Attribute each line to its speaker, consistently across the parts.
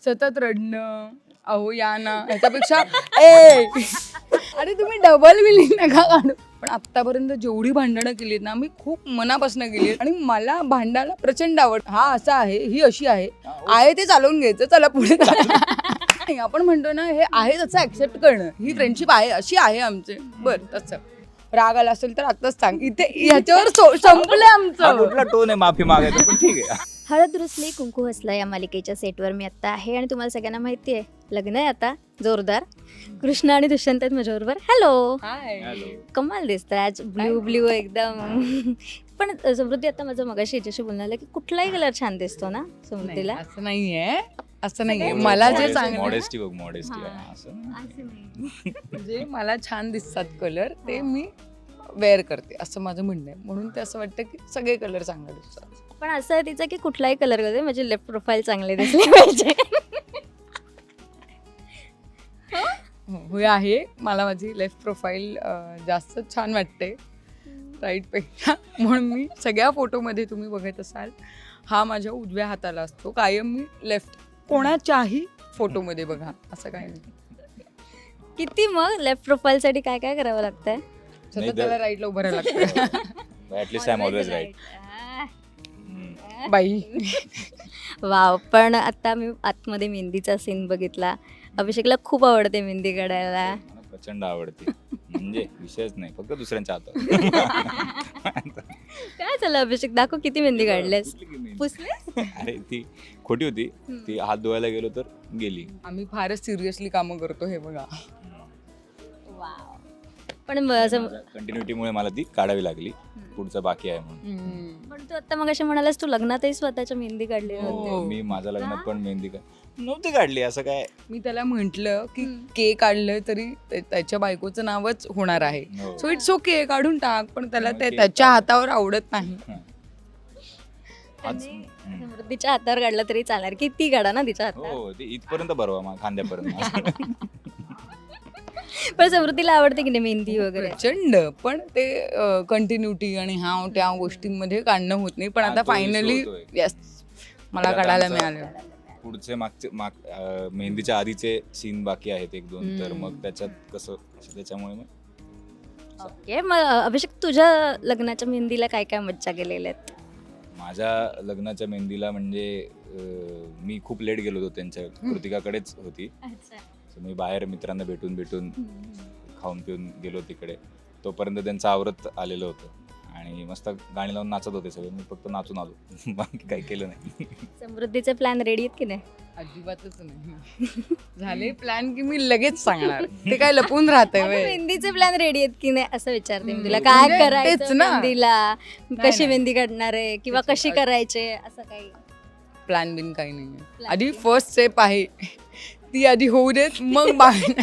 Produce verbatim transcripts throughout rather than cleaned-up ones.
Speaker 1: सतत रडणं, अहो या ना, ह्याच्यापेक्षा ए अरे तुम्ही डबल बिलिंग नका काढू. पण आत्तापर्यंत जेवढी भांडणं केलीत ना मी खूप मनापासून केली आणि मला भांडायला प्रचंड आवड. हा असा आहे, ही अशी आहे, आहे ते चालवून घ्यायचं, चला पुढे नाही, आपण म्हणतो ना हे आहे तसं ऍक्सेप्ट करणं, ही फ्रेंडशिप आहे अशी आहे आमचे. बरं तसं राग आला असेल तर आताच सांग, इथे ह्याच्यावर संपलं आमचं.
Speaker 2: कुठला टोन आहे माफी मागायचं, पण ठीक आहे.
Speaker 3: हळद रुसली कुंकू हसला या मालिकेच्या सेटवर मी आत्ता आहे आणि तुम्हाला सगळ्यांना माहिती आहे लग्न आहे आता जोरदार. कृष्ण आणि दुष्यंत आहेत माझ्याबरोबर. हॅलो, कमाल दिसतं आज, ब्ल्यू ब्ल्यू एकदम. पण समृद्धी आता माझं मगाशी याच्याशी बोलणं आलं की कुठलाही कलर छान दिसतो ना समृद्धीला.
Speaker 1: असं नाहीये, असं नाहीये. मला जे चांगलं
Speaker 2: मॉडेस्टी बघ, मॉडेस्टी आहे असं.
Speaker 1: जे मला छान दिसतात कलर ते मी वेअर करते असं माझं म्हणणं आहे. म्हणून ते असं वाटतं की सगळे कलर चांगले दिसतात.
Speaker 3: पण असं आहे तिचं की कुठलाही कलर करते म्हणजे लेफ्ट प्रोफाईल चांगले दिसले पाहिजे.
Speaker 1: हो आहे, मला माझी लेफ्ट प्रोफाईल जास्त छान वाटते राईटपेक्षा. म्हणून मी सगळ्या फोटोमध्ये तुम्ही बघत असाल हा माझ्या उजव्या हाताला असतो कायम. मी लेफ्ट कोणाच्याही फोटोमध्ये बघा, असं काही नाही.
Speaker 3: किती मग लेफ्ट प्रोफाईलसाठी काय काय करावं लागतंय?
Speaker 1: सतत त्याला राईटला उभं राहायला लागतं.
Speaker 2: At least I am always right.
Speaker 1: बाई
Speaker 3: वाव. पण आता मी आतमध्ये मेहंदीचा सीन बघितला. अभिषेकला खूप आवडते मेहंदी काढायला.
Speaker 2: मला प्रचंड आवडते, म्हणजे विषयच नाही, फक्त दुसऱ्यांच्या हातात.
Speaker 3: काय झालं अभिषेक, दाखव किती मेहंदी काढलेस. पुसले?
Speaker 2: अरे ती खोटी होती, ती हात धुवायला गेलो तर गेली.
Speaker 1: आम्ही फारच सिरियसली कामं करतो हे बघा.
Speaker 3: पण असं
Speaker 2: कंटिन्युटीमुळे मला ती काढावी लागली, पुढचं बाकी आहे म्हणून.
Speaker 3: पण तू आता मग अशा म्हणालास तू लग्नातही स्वतःच्या मेहंदी काढली नव्हती.
Speaker 2: हो, मी माझ्या लग्नात पण मेहंदी का नव्हती काढली, असं काय.
Speaker 1: मी त्याला म्हंटल की के काढलं तरी ते- त्याच्या बायकोचं नावच होणार आहे,
Speaker 2: हो.
Speaker 1: सो इट्स ओके काढून टाक. पण त्याला
Speaker 2: मग
Speaker 1: ते
Speaker 2: cake
Speaker 1: त्याच्या
Speaker 2: काढ.
Speaker 1: हातावर आवडत नाही.
Speaker 2: आज-
Speaker 3: त्यांनी समृद्धीच्या हातावर काढलं तरी चालणार, किती काढा ना तिच्या हातात.
Speaker 2: हो, ते इथपर्यंत बरोबर मग खांद्यापर्यंत.
Speaker 3: पण समृद्धीला आवडते की नाही मेहंदी वगैरे?
Speaker 1: प्रचंड. पण ते कंटिन्युटी आणि हा त्या गोष्टींमध्ये काढणं होत नाही. पण
Speaker 2: हा,
Speaker 1: आता
Speaker 2: तो
Speaker 1: फायनली
Speaker 2: issue होतोय.
Speaker 1: येस मला
Speaker 2: आता
Speaker 1: काढायला
Speaker 2: आमचा-
Speaker 1: मिळालं.
Speaker 2: पुढचे मागचे माग अं, मेहंदीच्या आधीचे सीन बाकी आहेत एक दोन, तर मग त्याच्यात कसं, त्याच्यामुळे मग
Speaker 3: ओके. मग अभिषेक तुझ्या लग्नाच्या मेहंदीला काय काय मज्जा केलेल्या आहेत?
Speaker 2: माझ्या लग्नाच्या मेहंदीला म्हणजे अं, मी खूप लेट गेलो होतो त्यांच्या, कृतिकाकडेच होती. So मी बाहेर मित्रांना भेटून भेटून खाऊन पिऊन गेलो तिकडे. तोपर्यंत त्यांचं आवरत आलेलं होतं आणि मस्त गाणी लावून नाचत होते सगळे. मी फक्त नाचून आलो, बाकी काही केलं नाही.
Speaker 3: समृद्धीचे प्लॅन रेडी आहेत की नाही?
Speaker 1: अजिबातच नाही. झाले प्लॅन की मी लगेच सांगणार. ते काय लपून राहतंय
Speaker 3: अगं,
Speaker 1: व्हय?
Speaker 3: मेहंदीचे प्लॅन रेडी आहेत की नाही असं विचारते मी तुला.
Speaker 1: हम्म.
Speaker 3: काय
Speaker 1: म्हणजे
Speaker 3: करायचं
Speaker 1: तेच ना.
Speaker 3: मेहंदीला,
Speaker 1: नाही,
Speaker 3: कशी
Speaker 1: नाही.
Speaker 3: मेहंदी काढणार आहे किंवा
Speaker 1: तेच.
Speaker 3: कशी करायचे असं काही?
Speaker 1: प्लॅन बिन काही नाही.
Speaker 3: Plan
Speaker 1: आधी
Speaker 3: B.
Speaker 1: फर्स्ट स्टेप आहे ती आधी होऊ देत, मग बाहेर.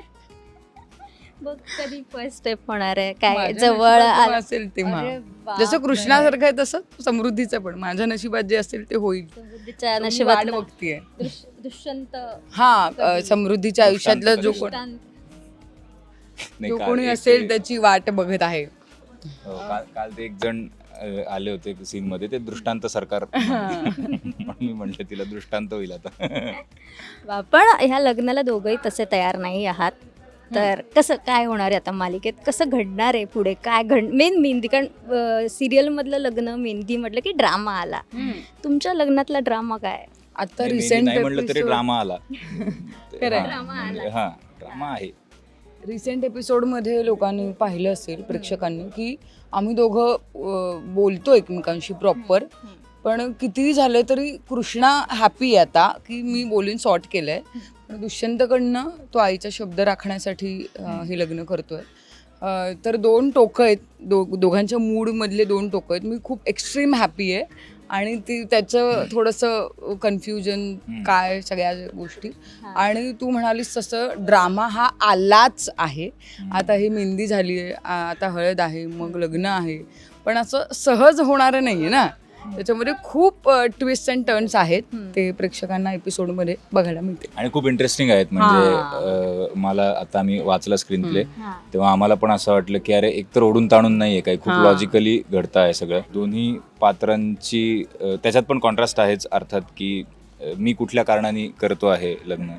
Speaker 3: बघ कधी फर्स्ट स्टेप होणार आहे, काय
Speaker 1: माझ्या
Speaker 3: जवळ
Speaker 1: नशिबात जेव्हा
Speaker 3: आलं-
Speaker 1: असेल तेव्हा.
Speaker 3: अरे बाप
Speaker 1: जसं
Speaker 3: रे.
Speaker 1: कृष्णासारखं आहे तसं समृद्धीचं पण माझ्या नशिबात जे असेल ते होईल.
Speaker 3: समृद्धीच्या
Speaker 1: मी
Speaker 3: नशिबात
Speaker 1: वाट बघतीये.
Speaker 3: दुष्यंत
Speaker 1: हा अ, समृद्धीच्या आयुष्यातलं जो कोण
Speaker 3: दुष्टांत.
Speaker 2: नाही,
Speaker 1: जो
Speaker 2: काल
Speaker 1: कोणी
Speaker 2: एक
Speaker 1: असेल
Speaker 2: ते-
Speaker 1: त्याची वाट बघत आहे.
Speaker 2: हो, काल काल ते एक जण अं, आले होते सीन मध्ये, ते दृष्टांत सरकार. म्हणून मी म्हटलं तिला दृष्टांत होईल आता.
Speaker 3: वा, पण ह्या लग्नाला दोघंही तसे तयार नाही आहात. तर कसं काय होणार आहे आता मालिकेत, कसं घडणार आहे पुढे, काय घड मेन मेहंदी, कारण सिरियल मधलं लग्न मेहंदी म्हटलं की ड्रामा आला. तुमच्या लग्नातला ड्रामा काय?
Speaker 1: आता
Speaker 2: नाही,
Speaker 1: रिसेंट
Speaker 2: नाही म्हटलं तरी ड्रामा आला.
Speaker 1: खरंय.
Speaker 2: हा, म्हणजे हा ड्रामा आहे.
Speaker 1: रिसेंट एपिसोडमध्ये लोकांनी पाहिलं असेल, प्रेक्षकांनी, की आम्ही दोघं अं, बोलतो एकमेकांशी प्रॉपर. पण कितीही झालं तरी कृष्णा हॅपी आहे आता की मी बोलून सॉर्ट केलंय. पण दुष्यंतकडनं तो आईचा शब्द राखण्यासाठी अं, हे लग्न करतोय. अं, तर दोन टोकं आहेत, दो दोघांच्या मूडमधले दोन टोकं आहेत. मी खूप एक्स्ट्रीम हॅपी आहे आणि ती त्याचं थोडंसं कन्फ्युजन काय सगळ्या गोष्टी. आणि तू म्हणालीस तसं ड्रामा हा आलाच आहे. आता ही मेहंदी झाली आहे, आता हळद आहे, मग लग्न आहे. पण असं सहज होणारं नाही आहे ना, त्याच्यामध्ये खूप ट्विस्ट अँड टर्न्स आहेत. ते प्रेक्षकांना एपिसोडमध्ये बघायला मिळते
Speaker 2: आणि खूप इंटरेस्टिंग आहेत. म्हणजे अं, मला आता आम्ही वाचला स्क्रीन प्ले, तेव्हा आम्हाला पण असं वाटलं की अरे एकतर ओढून ताणून नाहीये काही, खूप लॉजिकली घडतं आहे सगळं. दोन्ही पात्रांची अं, त्याच्यात पण कॉन्ट्रास्ट आहेच अर्थात, की अ, मी कुठल्या कारणाने करतो आहे लग्न.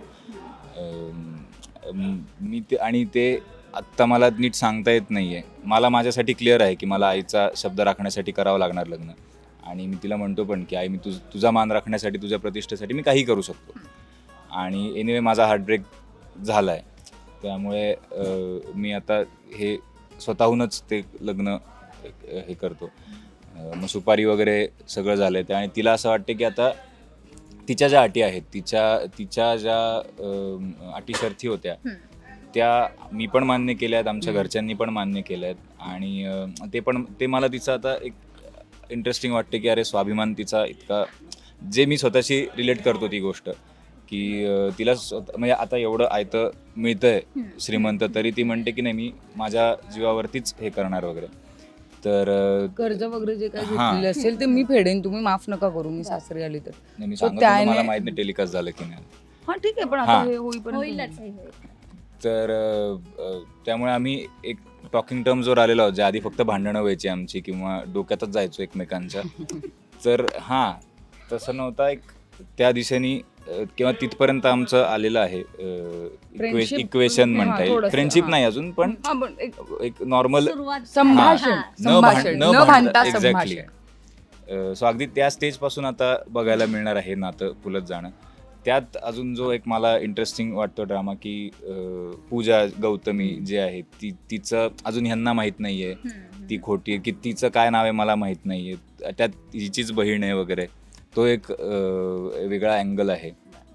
Speaker 2: अम, मी ते आणि ते आत्ता मला नीट सांगता येत नाही आहे. मला माझ्यासाठी क्लिअर आहे की मला आईचा शब्द राखण्यासाठी करावं लागणार लग्न. आणि मी तिला म्हणतो पण की आई, मी तुझ तुझा मान राखण्यासाठी, तुझ्या प्रतिष्ठेसाठी मी काही करू शकतो. आणि एनिवे माझा हार्टब्रेक झाला आहे. त्यामुळे अ, मी आता हे स्वतःहूनच ते लग्न अ, हे करतो. अ, मग सुपारी वगैरे सगळं झालं आहे. आणि तिला असं वाटतं की आता तिच्या ज्या अटी आहेत, तिच्या तिच्या ज्या अ, अटी शर्थी होत्या त्या मी पण मान्य केल्या आहेत, आमच्या घरच्यांनी पण मान्य केल्या आहेत. आणि अ, ते पण ते मला तिचं आता एक इंटरेस्टिंग वाटते की अरे स्वाभिमान तिचा इतका, जे मी स्वतःशी रिलेट करतो ती गोष्ट की अ, तिला स्वतः म्हणजे आता एवढं आयतं मिळतंय श्रीमंत, तरी ती म्हणते की नाही मी माझ्या जीवावरतीच हे करणार वगैरे. तर अ,
Speaker 1: कर्ज वगैरे जे काही
Speaker 2: हां.
Speaker 1: घेतलेलं असेल ते मी फेडेन, तुम्ही माफ नका करू मी सासरी आली तर.
Speaker 2: नाही, मी
Speaker 1: So
Speaker 2: सांगत होतो, मला
Speaker 1: त्याने-
Speaker 2: माहित नाही टेलिकास्ट झालं की नाही.
Speaker 1: हा ठीक आहे, पण आता
Speaker 2: हां.
Speaker 1: हे होईपर्यंत
Speaker 3: होईलच हे होईल.
Speaker 2: तर अ, अ, त्यामुळे आम्ही एक टॉकिंग टर्म्सवर आलेलो आहोत, ज्या आधी फक्त भांडणं व्हायची आमची किंवा डोक्यातच जायचो एकमेकांच्या. तर हां, तसं नव्हता एक त्या दिशेने अ, किंवा तिथपर्यंत आमचं आलेलं आहे.
Speaker 1: Friendship-
Speaker 2: इक्वेशन म्हणता
Speaker 1: हां,
Speaker 2: येईल.
Speaker 1: थोडंसं,
Speaker 2: फ्रेंडशिप
Speaker 1: हां.
Speaker 2: नाही अजून, पण
Speaker 1: हा, पण एक
Speaker 2: एक नॉर्मल
Speaker 3: सुरुवात
Speaker 1: संभाषण
Speaker 3: हां.
Speaker 1: संभाषण न भांडता
Speaker 2: एक्झॅक्टली.
Speaker 1: संभाषण.
Speaker 2: सो अगदी त्या स्टेजपासून आता बघायला मिळणार आहे नातं फुलत जाणं. त्यात अजून जो एक मला इंटरेस्टिंग वाटतो ड्रामा की अ, पूजा गौतमी जे आहे ती तिचं अजून ह्यांना माहीत नाही आहे, ती खोटी आहे की तिचं काय नाव आहे मला माहीत नाही आहे, त्यात हिचीच बहीण आहे वगैरे. तो एक अ, वेगळा अँगल आहे.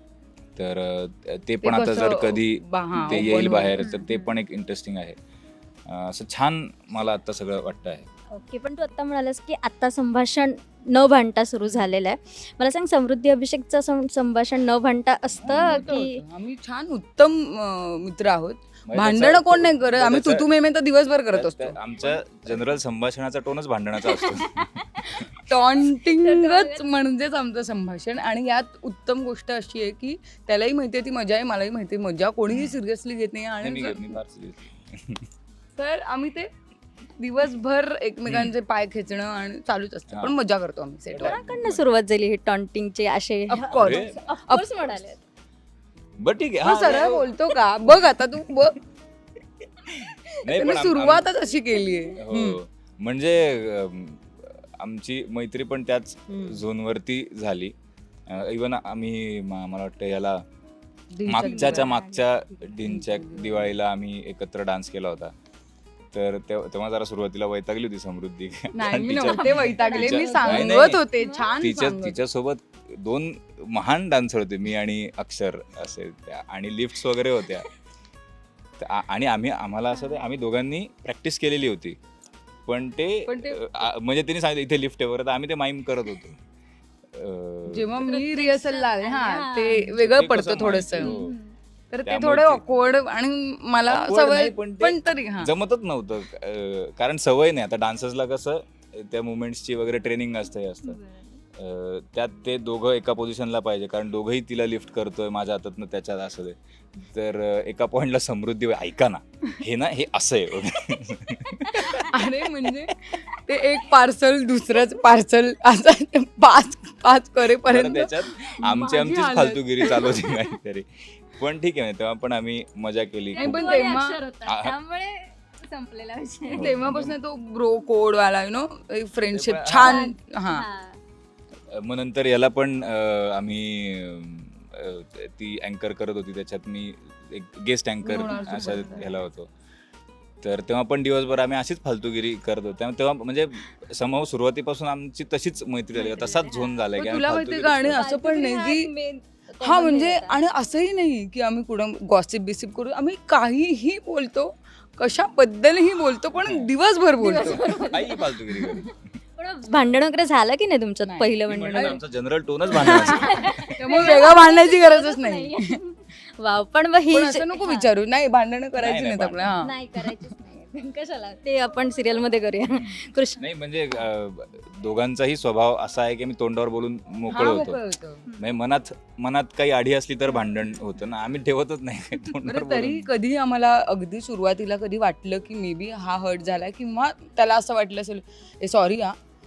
Speaker 2: तर अ, ते पण आता
Speaker 1: कसं
Speaker 2: जर कधी
Speaker 1: बा- हां,
Speaker 2: ते
Speaker 1: open
Speaker 2: येईल
Speaker 1: होईल.
Speaker 2: बाहेर तर ते पण एक इंटरेस्टिंग आहे. अ, असं छान मला आता सगळं वाटतं आहे.
Speaker 3: ओके, पण तू आत्ता म्हणालास की आत्ता संभाषण न भांडता सुरू झालेलं आहे. मला सांग, समृद्धी अभिषेकचं सं- संभाषण न भांडता असतं
Speaker 1: होतं,
Speaker 3: की
Speaker 1: होतं. आम्ही छान उत्तम अं, मित्र आहोत.
Speaker 2: म्हणजे
Speaker 1: भांडणं
Speaker 2: त्याचा-
Speaker 1: कोण नाही करत, आम्ही
Speaker 2: त्याचा-
Speaker 1: तुतू मेमे तर दिवसभर करत
Speaker 2: त्या-
Speaker 1: असतो.
Speaker 2: त्या- आमच्या जनरल संभाषणाचा टोनच भांडणाचा असतो.
Speaker 1: टॉन्टिंगच म्हणजेच आमचं संभाषण. आणि यात उत्तम गोष्ट अशी आहे की त्यालाही माहिती आहे ती मजा आहे, मलाही माहिती आहे मजा, कोणीही सिरियसली घेत नाही.
Speaker 2: नाही, मी
Speaker 1: आणि
Speaker 2: मी फार serious.
Speaker 1: तर आम्ही ते दिवसभर एकमेकांचे पाय खेचणं आणि चालूच असतं, पण
Speaker 2: हां.
Speaker 1: मजा करतो आम्ही सेटवर.
Speaker 3: कोणाकडनं सुरुवात झाली ही टॉन्टिंगचे असे?
Speaker 1: ऑफकोर्स.
Speaker 2: अरे,
Speaker 3: ऑफकोर्स म्हणाले.
Speaker 2: बरं ठीक आहे.
Speaker 1: हा
Speaker 2: हां,
Speaker 1: सरळ
Speaker 2: नाही,
Speaker 1: बोलतो का बघ आता तू बघ,
Speaker 2: नाही, पण
Speaker 1: त्याने
Speaker 2: आम-
Speaker 1: सुरुवातच अशी केली आहे.
Speaker 2: हो, म्हणजे अम, आमची मैत्री पण त्याच झोनवरती झाली. इवन आम्ही म- मला वाटतं याला मागच्याच्या मागच्या ढिंच्या दिवाळीला आम्ही एकत्र डान्स केला होता. तर तेव्हा तेव्हा जरा सुरुवातीला वैतागली होती समृद्धी.
Speaker 1: नाही
Speaker 2: कारण
Speaker 1: मी
Speaker 2: तिच्या-
Speaker 1: नव्हते वैतागले, मी
Speaker 2: तिच्या- नाही,
Speaker 1: सांगत
Speaker 2: नाही.
Speaker 1: होते छान
Speaker 2: तिच्या
Speaker 1: सांगत.
Speaker 2: तिच्यासोबत दोन महान डान्सर होते, मी आणि अक्षर असे त्या, आणि लिफ्ट्स वगैरे होत्या. त- आ- आणि आम्ही आम्हाला असं ते- आम्ही दोघांनी प्रॅक्टिस केलेली होती, पण ते
Speaker 1: पण ते-
Speaker 2: अ, आ- म्हणजे त्यांनी सांगितलं इथे लिफ्ट आहे वगैरे, तर आम्ही ते माईम करत होतो. अ,
Speaker 1: जेव्हा मी रिहर्सलला आले हा
Speaker 3: हां.
Speaker 1: ते
Speaker 2: ते
Speaker 1: वेगळं
Speaker 2: कसं
Speaker 1: पडतं
Speaker 2: माहिती,
Speaker 1: थोडस,
Speaker 2: हो.
Speaker 1: तर ते
Speaker 2: त्यामुळे
Speaker 1: थोडे
Speaker 2: ते-
Speaker 1: ऑकवर्ड आणि मला
Speaker 2: Awkward
Speaker 1: सवय
Speaker 2: नाही, पण ते
Speaker 1: पण तरी हा
Speaker 2: जमतच नव्हतं. अ, कारण सवय नाही. आता डान्सर्सला कसं त्या मुवमेंट्सची वगैरे ट्रेनिंग असतं हे असतं. अ, त्यात ते दोघं एका पोझिशनला पाहिजे, कारण दोघंही तिला लिफ्ट करतोय माझ्या हातातनं त्याच्यात असं ते. तर अ, एका पॉईंटला समृद्धी ऐका ना हे ना हे असं आहे वगैरे.
Speaker 1: अरे म्हणजे ते एक पार्सल दुसरंच पार्सल असं ते पाच पाच
Speaker 2: तर
Speaker 1: करेपर्यंत
Speaker 2: त्याच्यात आमची
Speaker 1: माझी
Speaker 2: आमचीच
Speaker 1: हालत.
Speaker 2: फालतूगिरी चालू होती काहीतरी. पण ठीक आहे, तेव्हा पण आम्ही मजा केली.
Speaker 1: नाही,
Speaker 2: खूप.
Speaker 1: पण
Speaker 3: तू आणि
Speaker 1: तेव्हा-
Speaker 3: अक्षर होता,
Speaker 2: आ-
Speaker 3: त्यामुळे संपलेला विषय.
Speaker 1: तेव्हापासून तो ब्रो कोड वाला यु नो फ्रेंडशिप
Speaker 2: ते पण-
Speaker 1: छान. हा
Speaker 3: हां.
Speaker 2: मग नंतर याला पण अ, आम्ही अ, ती अँकर करत होती, त्याच्यात मी एक गेस्ट अँकर
Speaker 1: लोणार
Speaker 2: अशा
Speaker 1: सुपरस्टार.
Speaker 2: ह्याला होतो. तर तेव्हा पण दिवसभर आम्ही अशीच फालतूगिरी करत होतो. त्यामुळे तेव्हा म्हणजे समूह सुरुवातीपासून आमची तशीच मैत्री झाली, तसाच झोन झालाय
Speaker 1: पण
Speaker 2: की
Speaker 1: तुला
Speaker 2: आम्ही
Speaker 1: माहितीये का, आणि
Speaker 2: फालतूगिरीच
Speaker 1: असं पण नाही
Speaker 3: हा
Speaker 1: की
Speaker 3: एक main
Speaker 1: हा
Speaker 3: common
Speaker 1: म्हणजे
Speaker 3: हे होता.
Speaker 1: आणि असंही नाही की आम्ही कुठं गॉसिप बिसिप करू, आम्ही काहीही बोलतो, कशाबद्दलही बोलतो, पण दिवसभर बोलतो.
Speaker 2: करतो. काही फालतूगिरी करू.
Speaker 3: पण भांडण वगैरे झालं की नाही तुमच्यात
Speaker 1: नाही.
Speaker 3: पहिलं
Speaker 2: मी
Speaker 3: भांडण?
Speaker 2: म्हणलं, आमचा जनरल टोनच भांडणाचा.
Speaker 1: त्यामुळे वेगळं भांडण्याची गरजच नाही.
Speaker 3: वाव, पण मग ही
Speaker 1: पण असं नको विचारू, नाही भांडणं करायची
Speaker 2: नाही,
Speaker 1: नाहीत
Speaker 2: नाही,
Speaker 1: आपल्या. हा
Speaker 3: नाही करायचीच नाही. कशाला, ते आपण सिरियल मध्ये करूया. कृष्ण
Speaker 2: नाही म्हणजे अ, दोघांचाही स्वभाव असा आहे की मी तोंडावर बोलून मोकळ
Speaker 1: हा,
Speaker 2: होतो.
Speaker 1: मोकळं होतं.
Speaker 2: म्हणजे मनात मनात काही आढी असली तर भांडण होतं ना, आम्ही ठेवतच नाही काही तोंडावर
Speaker 1: बरं, तरी
Speaker 2: बोलून.
Speaker 1: कधी आम्हाला अगदी सुरुवातीला कधी वाटलं की मे बी हा हर्ट झालाय किंवा त्याला असं वाटलं असेल ए सॉरी हा,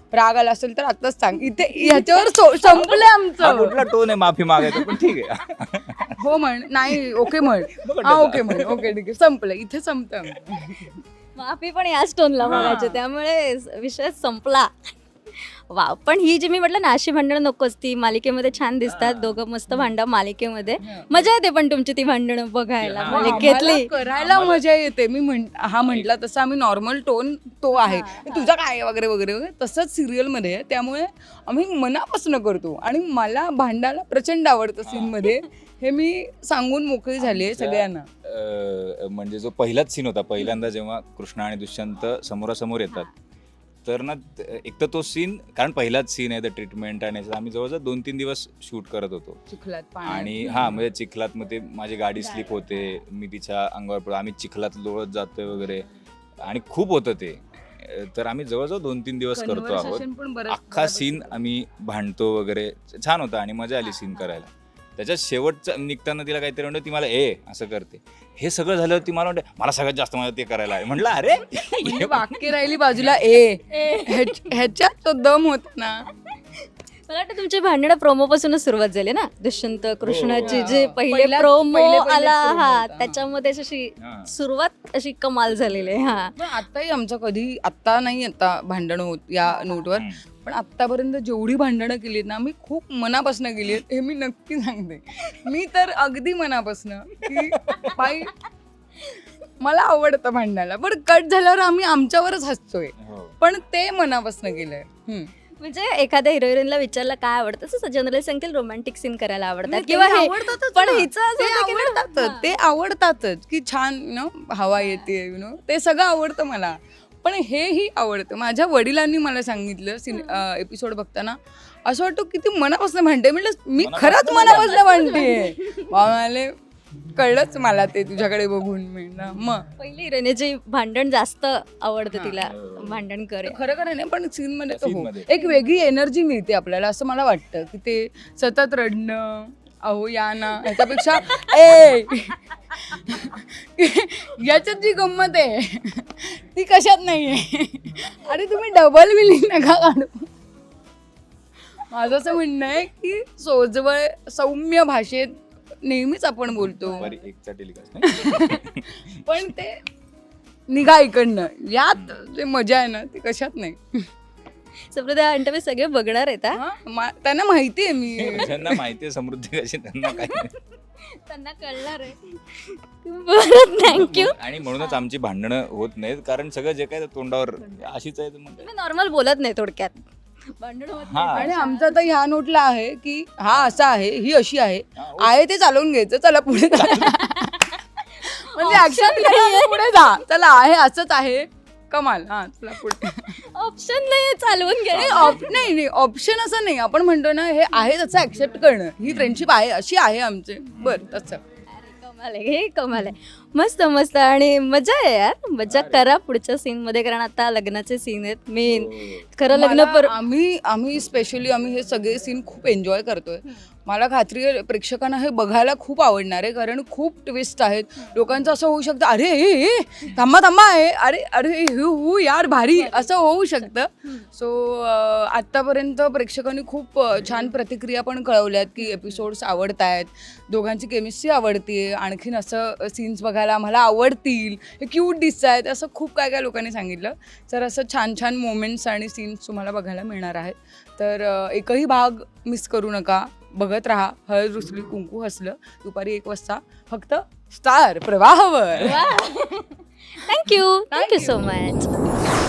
Speaker 1: राग आला असेल तर आताच सांग. इथे ह्याच्यावर सो- संपलं
Speaker 2: हा
Speaker 1: आमचं.
Speaker 2: कुठला टोन आहे माफी मागायचं, पण ठीक आहे.
Speaker 1: हो म्हण, नाही ओके म्हण, हा ओके म्हण, ओके ठीक आहे, संपलं इथे संपतं आमचं.
Speaker 3: माफी पण याच टोनला मागायचे, त्यामुळे विषय संपला. वा, पण ही जी मी म्हटलं ना अशी भांडणं नकोच. ती मालिकेमध्ये छान दिसतात, दोघं मस्त भांडा मालिकेमध्ये. मजा येते पण तुमची ती भांडणं बघायला
Speaker 2: हा.
Speaker 3: मालिकेतली.
Speaker 1: आम्हाला करायला मजा येते. मी म्हण हा म्हटला तसं आम्ही नॉर्मल टोन तो आहे, तुझा काय वगैरे वगैरे वगैरे तसंच सिरियल मध्ये आहे. त्यामुळे आम्ही मनापासून करतो आणि मला भांडायला प्रचंड आवडतं सीन मध्ये. हे मी सांगून मोकळी झाली आहे सगळ्यांना.
Speaker 2: अं, म्हणजे जो पहिलाच सीन होता, पहिल्यांदा जेव्हा कृष्णा आणि दुष्यंत समोरासमोर येतात, तर ना त- एक तर तो सीन, कारण पहिलाच सीन आहे, द ट्रीटमेंट आणि असं आम्ही जवळजवळ दोन तीन दिवस शूट करत होतो.
Speaker 1: चिखलात पाणी
Speaker 2: आणि हा म्हणजे चिखलात मग ते माझी गाडी स्लिप होते, मी तिच्या अंगावर पडतो, आम्ही चिखलात लोळत जातोय वगैरे, आणि खूप होतं ते. अं, तर आम्ही जवळजवळ दोन तीन दिवस करतो आहोत.
Speaker 1: Conversation पण बरंच-
Speaker 2: अख्खा
Speaker 1: बऱ्यापैकी
Speaker 2: सीन आम्ही भांडतो वगैरे, छान होता आणि मजा आली सीन करायला. त्याच्यात शेवटचं निघताना तिला काहीतरी म्हणतो, ती मला ए असं करते. हे सगळं झालं, ती मला म्हणते मला सगळ्यात जास्त मला ते करायला आहे. म्हटलं अरे
Speaker 1: म्हणजे वाक्य राहिली बाजूला ए, ह्याच- ह्याच्यात तो दम होता ना.
Speaker 3: मला वाटतं तुमची भांडणं प्रोमो पासूनच सुरुवात झाली ना, दुष्यंत कृष्णाची
Speaker 1: हो.
Speaker 3: जे पहिले
Speaker 1: पहिल्याच-
Speaker 3: प्रोमो
Speaker 1: पहिले- पहिलेच
Speaker 3: आला,
Speaker 1: promo
Speaker 3: हा
Speaker 1: होता.
Speaker 3: त्याच्यामध्ये अशी
Speaker 2: हा.
Speaker 3: सुरुवात अशी कमाल झालेली आहे. हा
Speaker 1: पण आताही आमचं कधी, आत्ता नाही आता भांडणं होत या नोटवर,
Speaker 2: हम्म.
Speaker 1: पण आत्तापर्यंत जेवढी भांडणं केली आहेत ना, मी खूप मनापासून केली आहेत, हे मी नक्की सांगते. मी तर अगदी मनापासून की बाई मला आवडतं भांडायला, पण कट झाल्यावर आम्ही आमच्यावरच हसतोय,
Speaker 2: हो.
Speaker 1: पण ते मनापासून केलंय. हम्म.
Speaker 3: म्हणजे एखाद्या हिरोईनला विचारलं काय आवडतं, तसं जनरली सांगतील रोमॅन्टिक सीन करायला आवडतात
Speaker 1: नाही,
Speaker 3: किंवा
Speaker 1: ते
Speaker 3: हे.
Speaker 1: आवडतातच
Speaker 3: पण
Speaker 1: ना.
Speaker 3: हिचं असं
Speaker 1: ते
Speaker 3: होतं की ना,
Speaker 1: आवडतातच,
Speaker 3: हा.
Speaker 1: ते आवडतातच की छान यु नो हवा येते, यु नो ते सगळं आवडतं मला. पण हेही आवडतं. माझ्या वडिलांनी मला सांगितलं सिन एपिसोड बघताना, असं वाटतं किती मनापासून भांडते. म्हटलं मी खरंच मनापासून भांडते. म्हणाले कळलंच मला ते तुझ्याकडे बघून. म्हणलं मग
Speaker 3: पहिली हिरोईनची भांडण जास्त आवडतं तिला, भांडण करे.
Speaker 1: खरं खरं नाही, पण सीन मध्ये तर
Speaker 2: Scene
Speaker 1: हो,
Speaker 2: मध्ये.
Speaker 1: एक वेगळी एनर्जी मिळते आपल्याला असं मला वाटतं की ते सतत रडणं, अहो या ना, ह्याच्यापेक्षा ए याच्यात जी गंमत आहे ती कशात नाहीये. अरे तुम्ही डबल बिलिंग नका काढू. माझं असं म्हणणं आहे की सोजवळ सौम्य भाषेत नेहमीच आपण बोलतो,
Speaker 2: बरी एकचा टेलिकास्ट.
Speaker 1: पण ते निघा इकडनं, यात जे मजा आहे ना ती कशात नाही.
Speaker 3: समृद्धी इंटरव्ह्यू सगळे बघणार आहेत हा?
Speaker 1: हा, मा- त्यांना माहिती आहे मी.
Speaker 2: ज्यांना माहिती आहे समृद्धी कशी, त्यांना काय.
Speaker 3: त्यांना कळणार आहे. बरं, थँक्यू.
Speaker 2: आणि म्हणूनच आमची भांडणं होत नाहीत, कारण सगळं जे काय ते तोंडावर अशीच आहे. तर मग
Speaker 3: तुम्ही नॉर्मल बोलत नाही थोडक्यात, भांडण होत नाही.
Speaker 2: हा.
Speaker 1: आणि आमचं तर ह्या नोटला आहे की हा असा आहे, ही अशी आहे, आहे ते चालवून घ्यायचं, चला पुढे जा. म्हणजे ऍक्शन पुढे जा, चला आहे असंच आहे, कमाल, हा चला पुढे.
Speaker 3: ऑप्शन नाही चालवून घे.
Speaker 1: नाही, ऑप- नाही नाही ऑप्शन असं नाही. आपण म्हणतो ना हे आहे त्याचं ऍक्सेप्ट करणं, ही फ्रेंडशिप आहे, अशी आहे आमचे, बरं तसं.
Speaker 3: अरे कमाल आहे, हे कमाल आहे. मस्त मस्त, आणि मजा आहे यार. मजा करा पुढच्या सीन मध्ये, कारण आता लग्नाचे सीन आहेत मेन. खरं लग्न
Speaker 1: मला-
Speaker 3: पर
Speaker 1: आम्ही आम्ही स्पेशली आम्ही हे सगळे सीन खूप एन्जॉय करतोय. मला खात्री आहे प्रेक्षकांना हे बघायला खूप आवडणार आहे, कारण खूप ट्विस्ट आहेत. लोकांचं असं होऊ शकतं, अरे हे हे थांबा थांबा आहे, अरे अरे हु हु यार भारी, असं होऊ शकतं. सो आत्तापर्यंत प्रेक्षकांनी खूप अ, छान प्रतिक्रिया पण कळवल्यात की एपिसोड्स आवडत आहेत, दोघांची केमिस्ट्री आवडते, आणखीन असं सीन्स बघायला आम्हाला आवडतील, हे क्यूट दिसत आहेत, असं खूप काय काय लोकांनी सांगितलं. तर असं छान छान मोमेंट्स आणि सीन्स तुम्हाला बघायला मिळणार आहेत. तर अ, एकही भाग मिस करू नका, बघत राहा. हळद रुसली कुंकू हसलं, दुपारी एक वाजता फक्त स्टार प्रवाहावर.
Speaker 3: Thank you thank you so much.